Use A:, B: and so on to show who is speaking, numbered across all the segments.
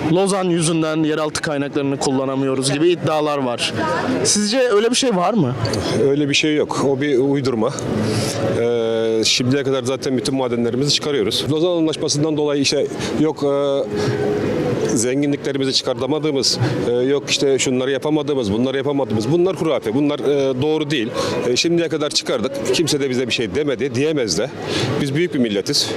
A: Lozan yüzünden yeraltı kaynaklarını kullanamıyoruz gibi iddialar var. Sizce öyle bir şey var mı?
B: Öyle bir şey yok. O bir uydurma. Şimdiye kadar zaten bütün madenlerimizi çıkarıyoruz. Lozan Anlaşması'ndan dolayı işte yok zenginliklerimizi çıkartamadığımız, yok işte şunları yapamadığımız, bunları yapamadığımız, bunlar hurafe, bunlar doğru değil. Şimdiye kadar çıkardık. Kimse de bize bir şey demedi, diyemez de. Biz büyük bir milletiz.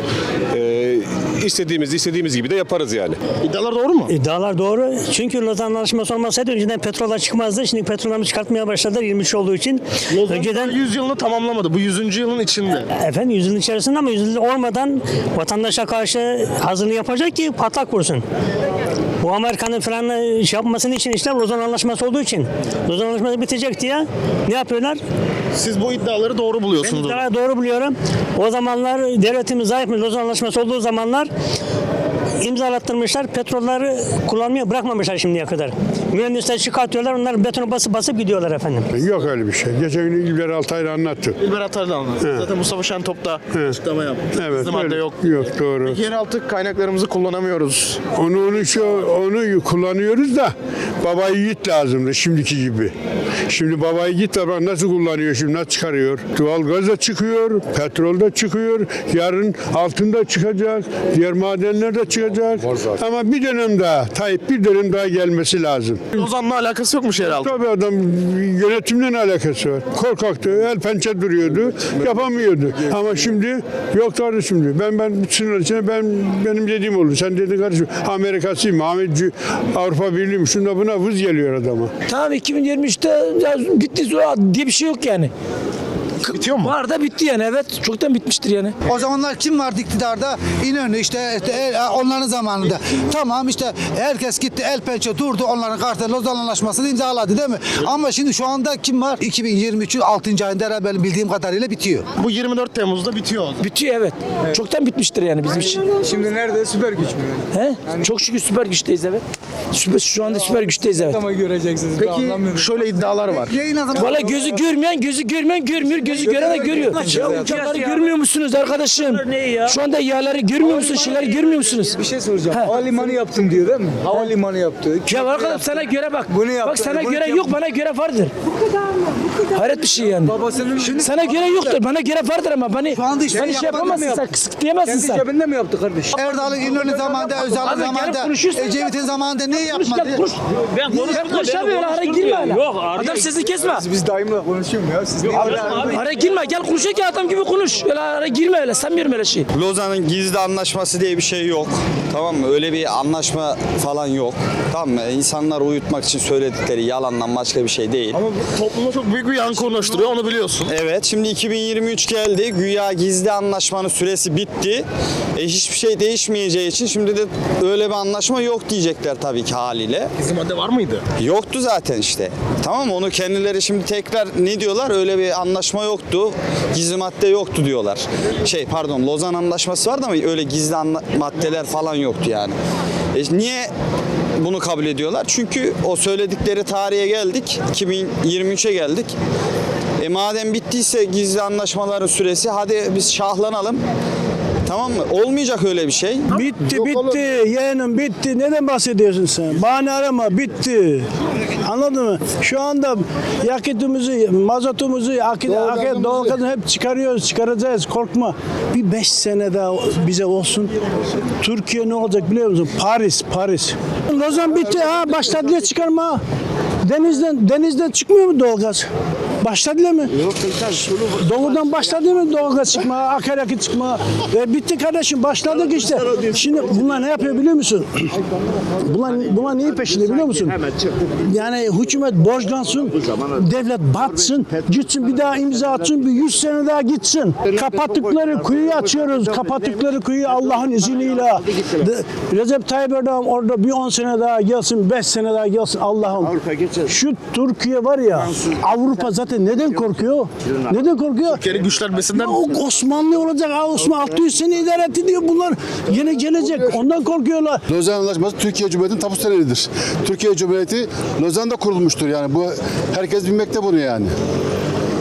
B: İstediğimiz gibi de yaparız yani.
A: İddialar doğru mu?
C: İddialar doğru. Çünkü Lozan Anlaşması olmasaydı önceden petroller çıkmazdı. Şimdi petrolleri çıkartmaya başladılar 23 olduğu için.
A: Lozan
C: Önceden
A: 100 yılını tamamlamadı. Bu 100. yılın içinde.
C: efendim 100 yılın içerisinde ama 100 yıl olmadan vatandaşa karşı hazırlığı yapacak ki patlak vursun. Bu Amerika'nın falan şey yapmasının için işte Lozan Anlaşması olduğu için. Lozan Anlaşması bitecek diye ne yapıyorlar?
A: Siz bu iddiaları doğru buluyorsunuz.
C: Ben doğru biliyorum. O zamanlar devletimiz zayıf mı? Lozan Anlaşması olduğu zamanlar imzalattırmışlar. Petrolleri kullanmaya bırakmamışlar şimdiye kadar. Mühendisler çıkartıyorlar. Onlar betonu basıp gidiyorlar efendim.
D: Yok öyle bir şey. Geçen gün İlber Altaylı anlattı.
A: İlber Atar'la anlattı. Zaten Mustafa Şentop da açıklama yaptı.
D: Evet.
A: Bizim madde
D: öyle.
A: yok.
D: Yok doğru.
A: Yeraltı kaynaklarımızı kullanamıyoruz.
D: Onu kullanıyoruz da baba yiğit lazımdı şimdiki gibi. Şimdi baba yiğit de nasıl kullanıyor şimdi, nasıl çıkarıyor? Doğalgaz da çıkıyor, petrol de çıkıyor. Yarın altın da çıkacak, diğer madenler de çıkacak. Ama bir dönem daha, Tayyip bir dönem daha gelmesi lazım.
A: Lozan'la alakası yokmuş yeraltı.
D: Tabii adam yönetimle alakası var. Korkaktı, el pençe duruyordu, yapamıyordu. Ama şimdi yok kardeşim diyor. Ben sınır içine benim dediğim olur. Sen dedin kardeşim Amerika'sıyım, Avrupa Birliği'yim. Şunda buna vız geliyor adama.
E: Tamam 2023'te ya bitti diye bir şey yok yani.
A: Bitiyor mu?
E: Var da bitti yani, evet, çoktan bitmiştir yani.
F: O zamanlar kim vardı iktidarda? İnönü işte onların zamanında. Tamam işte herkes gitti el pençe durdu, onların kartı Lozan Anlaşması'nı imzaladı değil mi? Ama şimdi şu anda kim var? 2023'ün 6. ayında herhalde benim bildiğim kadarıyla bitiyor.
A: Bu 24 Temmuz'da bitiyor.
E: Bitiyor, evet. Çoktan bitmiştir yani bizim için.
G: Şimdi nerede? Süper güç mü?
E: He? Çok şükür süper güçteyiz, evet. Şu anda süper güçteyiz, evet.
G: Ama göreceksiniz.
A: Peki şöyle iddialar var.
E: Valla gözü görmeyen görmüyor, gözü gören de görüyor. Ya uçakları görmüyor musunuz arkadaşım? Şu anda yağları görmüyor musunuz, şeyleri görmüyor musunuz?
G: Bir şey soracağım. Havalimanı yaptım diyor değil mi? Havalimanı yaptı.
E: Ya arkadaşım sana göre bak.
G: Bunu yaptı,
E: Bak sana
G: bunu
E: göre
G: yaptı.
E: yok, bana göre vardır. Hayret bir şey yani.
G: Babasının
E: Sana göre yoktur, bana göre vardır ama beni
F: Şu anda işte
E: şey yapamazsın, sen kısıtlayamazsın
G: kendi
E: sen.
G: cebinde mi yaptı kardeş?
F: Erdal'ın İnönü zamanında, Özal'ın
E: Abi gelip
F: zamanında,
E: konuşuyorsun.
F: Ecevit'in zamanında ne yapmadı?
E: Ben konuşamıyorum, araya girme öyle. Adam sesi kesme.
G: Biz daimle konuşuyoruz ya. Siz niye
E: Araya girme, gel konuşak ya, adam gibi konuş. Öyle araya girme öyle, sanmıyorum öyle şey.
H: Lozan'ın gizli anlaşması diye bir şey yok. Tamam mı? Öyle bir anlaşma falan yok. Tamam mı? İnsanları uyutmak için söyledikleri yalandan başka bir şey değil.
A: Ama bu topluma çok büyük bir yankı oluşturuyor, onu biliyorsun.
H: Evet, şimdi 2023 geldi. Güya gizli anlaşmanın süresi bitti. Hiçbir şey değişmeyeceği için şimdi de öyle bir anlaşma yok diyecekler tabii ki haliyle.
A: Bizim madde var mıydı?
H: Yoktu zaten işte. Tamam mı? Onu kendileri şimdi tekrar ne diyorlar? Öyle bir anlaşma yoktu. Gizli madde yoktu diyorlar. Lozan Anlaşması vardı ama öyle gizli maddeler falan yoktu yani. Niye bunu kabul ediyorlar? Çünkü o söyledikleri tarihe geldik. 2023'e geldik. Madem bittiyse gizli anlaşmaların süresi, hadi biz şahlanalım. Tamam mı? Olmayacak öyle bir şey.
I: Bitti yeğenim bitti. Neden bahsediyorsun sen? Bahane arama, bitti. Anladın mı? Şu anda yakıtımızı, mazotumuzu, doğalgazını hep çıkaracağız. Korkma. Bir 5 sene daha bize olsun. Türkiye ne olacak biliyor musun? Paris. Lozan bitti ha. Başladılar çıkarma. Denizden çıkmıyor mu doğalgaz? Başladılar mı? Doğudan başladı mı doğalgaz çıkma, akaryakıt çıkma? Bitti kardeşim, başladık işte. Şimdi bunlar ne yapıyor biliyor musun? Bunlar neyi peşinde biliyor musun? Yani hükümet borçlansın, devlet batsın, gitsin bir daha imza atsın, bir 100 sene daha gitsin. Kapattıkları kuyuyu açıyoruz, kapattıkları kuyuyu Allah'ın izniyle. Recep Tayyip Erdoğan orada bir 10 sene daha gelsin, 5 sene daha gelsin Allah'ım. Şu Türkiye var ya, Avrupa zaten neden korkuyor? Neden korkuyor?
A: Türkiye'nin güçlenmesinden...
I: Osmanlı olacak, Osmanlı 600 sene idare etti diyor bunlar. Yine gelecek, ondan korkuyorlar.
J: Lozan Anlaşması Türkiye Cumhuriyeti'nin tapu senedidir. Türkiye Cumhuriyeti Lozan'da kurulmuştur yani. Bu herkes bilmekte bunu yani.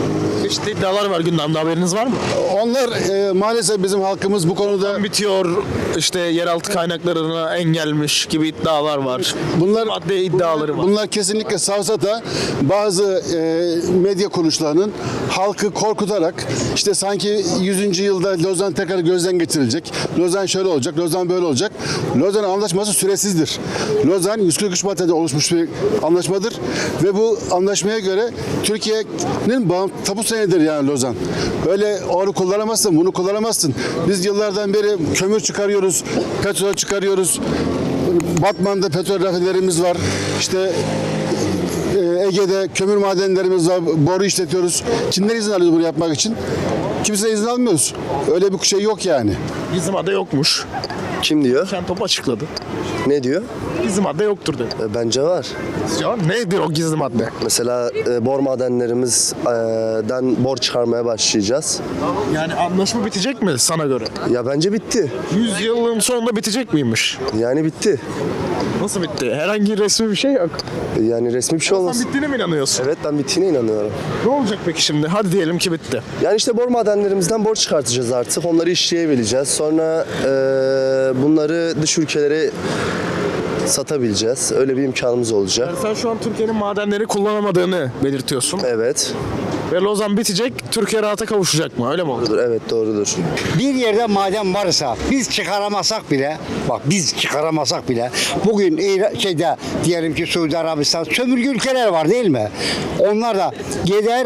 A: Çeşitli iddialar var gündemde, haberiniz var mı?
J: Onlar maalesef bizim halkımız bu konuda
A: Bitiyor, işte yeraltı kaynaklarına engelmiş gibi iddialar var.
J: bunlar
A: Madde iddiaları var.
J: Bunlar kesinlikle savsata. Bazı medya kuruluşlarının halkı korkutarak işte sanki 100. yılda Lozan tekrar gözden geçirilecek. Lozan şöyle olacak, Lozan böyle olacak. Lozan Anlaşması süresizdir. Lozan 143 maddede oluşmuş bir anlaşmadır ve bu anlaşmaya göre Türkiye'nin tapu senedidir yani Lozan. Öyle onu kullanamazsın, bunu kullanamazsın. Biz yıllardan beri kömür çıkarıyoruz, petrol çıkarıyoruz. Batman'da petrol rafinerimiz var. İşte Ege'de kömür madenlerimiz var, boru işletiyoruz. Kimden izin alıyoruz bunu yapmak için? Kimse izin almıyoruz. Öyle bir şey yok yani.
A: Gizli madde yokmuş.
K: Kim diyor?
A: Şentop açıkladı.
K: Ne diyor?
A: Gizli madde yoktur dedi.
K: Bence var.
A: Ya nedir o gizli madde?
K: Mesela bor madenlerimizden bor çıkarmaya başlayacağız.
A: Yani anlaşma bitecek mi sana göre?
K: Ya bence bitti.
A: 100 yılın sonunda bitecek miymiş?
K: Yani bitti.
A: Nasıl bitti? Herhangi resmi bir şey yok.
K: Yani resmi bir şey olmaz.
A: Sen bittiğine mi inanıyorsun?
K: Evet, ben bittiğine inanıyorum.
A: Ne olacak peki şimdi? Hadi diyelim ki bitti.
K: Yani işte bor madenlerimizden bor çıkartacağız artık. Onları işleyebileceğiz. Sonra bunları dış ülkelere satabileceğiz. Öyle bir imkanımız olacak.
A: Yani sen şu an Türkiye'nin madenleri kullanamadığını belirtiyorsun.
K: Evet.
A: Ve Lozan bitecek, Türkiye rahata kavuşacak mı? Öyle mi olur?
K: Evet, doğrudur.
L: Bir yerde maden varsa biz çıkaramasak bile, bak biz çıkaramasak bile bugün diyelim ki Suudi Arabistan sömürge ülkeler var değil mi? Onlar da gider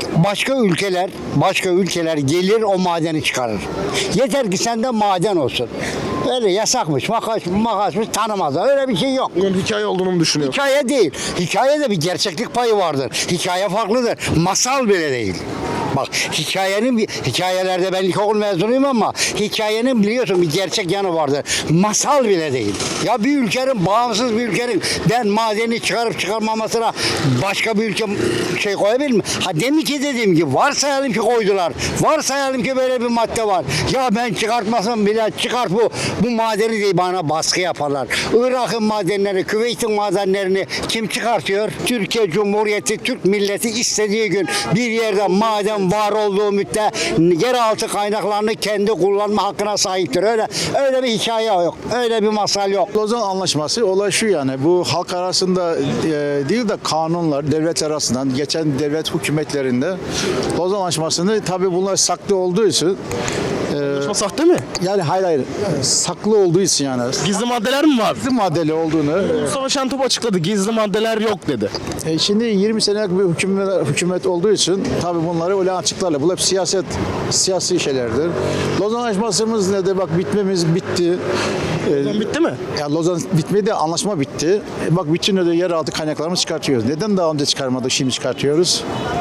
L: başka ülkeler gelir o madeni çıkarır. Yeter ki sende maden olsun. Öyle yasakmış, makasmış tanımazlar. Öyle bir şey yok.
A: Bunun hikaye olduğunu mu düşünüyorsun?
L: Hikaye değil. Hikayede bir gerçeklik payı vardır. Hikaye farklıdır. Masal bile değil. Bak hikayelerde ben ilkokul mezunuyum ama hikayenin biliyorsun bir gerçek yanı vardır. Masal bile değil. Ya bir ülkenin, bağımsız bir ülkenin ben madeni çıkarıp çıkarmamasına başka bir ülke şey koyabilir mi? Ha demin ki dediğim gibi varsayalım ki koydular. Varsayalım ki böyle bir madde var. Ya ben çıkartmasam bile çıkart bu madeni diye bana baskı yaparlar. Irak'ın madenleri, Küveyt'in madenlerini kim çıkartıyor? Türkiye Cumhuriyeti, Türk milleti istediği gün bir yerde maden var olduğu müddetçe yeraltı kaynaklarını kendi kullanma hakkına sahiptir. Öyle bir hikaye yok. Öyle bir masal yok.
I: Lozan Anlaşması olay şu yani bu halk arasında değil de kanunlar devletler arasından geçen devlet hükümetlerinde Lozan Anlaşması'nı tabii bunlar saklı olduğu için
A: Sahte mi?
I: yani hayır saklı olduğu için yani
A: Gizli maddeler mi var?
I: gizli maddeli olduğunu
A: Mustafa Şentop açıkladı. Gizli maddeler yok dedi.
I: şimdi 20 senelik bir hükümet olduğu için tabii bunları öyle açıklarlar. Bu hep siyasi şeylerdir. Lozan Anlaşması'mız ne de bak bitti.
A: Lozan bitti mi?
I: Ya Lozan bitmedi, anlaşma bitti. Bak bütün öyle yeraltı kaynaklarımızı çıkartıyoruz. Neden daha önce çıkarmadık, şimdi çıkartıyoruz?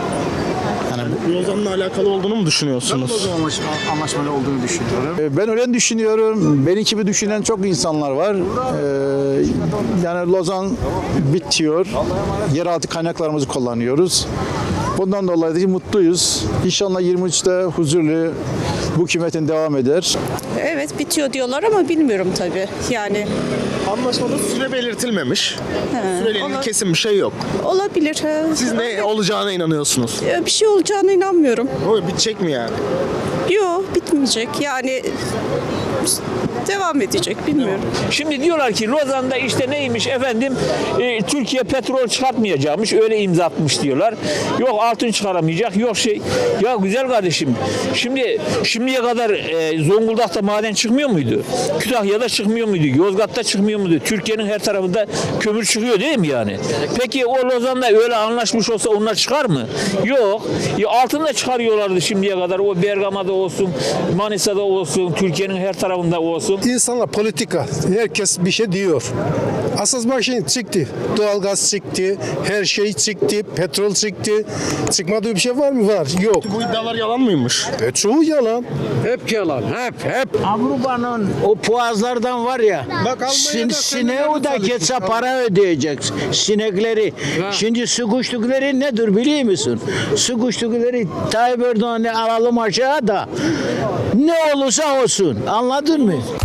A: Lozan'la alakalı olduğunu mu düşünüyorsunuz?
I: Anlaşmalı olduğunu düşünüyorum. Ben öyle düşünüyorum. Benim gibi düşünen çok insanlar var. Yani Lozan bitiyor. Yeraltı kaynaklarımızı kullanıyoruz. Bundan dolayı da mutluyuz. İnşallah 23'te huzurlu bu hükümetin devam eder.
M: Evet bitiyor diyorlar ama bilmiyorum tabii. Yani
A: Anlaşmada süre belirtilmemiş. Süreyle kesin bir şey yok.
M: olabilir.
A: Siz ne olacağına inanıyorsunuz?
M: Bir şey olacağına inanmıyorum.
A: O bitecek mi yani?
M: Yok bitmeyecek. Yani devam edecek bilmiyorum.
E: Şimdi diyorlar ki Lozan'da işte neymiş efendim Türkiye petrol çıkartmayacakmış öyle imza atmış diyorlar. Yok altın çıkaramayacak yok şey. Ya güzel kardeşim şimdiye kadar Zonguldak'ta maden çıkmıyor muydu? Kütahya'da çıkmıyor muydu? Yozgat'ta çıkmıyor muydu? Türkiye'nin her tarafında kömür çıkıyor değil mi yani? Peki o Lozan'da öyle anlaşmış olsa onlar çıkar mı? Yok. Ya altın da çıkarıyorlardı şimdiye kadar. O Bergama'da olsun, Manisa'da olsun, Türkiye'nin her tarafında olsun.
I: İnsanlar politika, herkes bir şey diyor. Asas bak şimdi çıktı. Doğalgaz çıktı, her şey çıktı, petrol çıktı. Çıkmadığı bir şey var mı? Var. Yok.
A: Bu iddialar yalan mıymış?
I: Çoğu yalan.
L: Hep yalan. Hep. Avrupa'nın o puazlardan var ya. Sineği da geçse para ödeyecek. Sinekleri. Şimdi su kuşlukları nedir biliyor musun? Su kuşlukları Tayyip Erdoğan'ı alalım aşağı da ne olursa olsun. Anladın mı?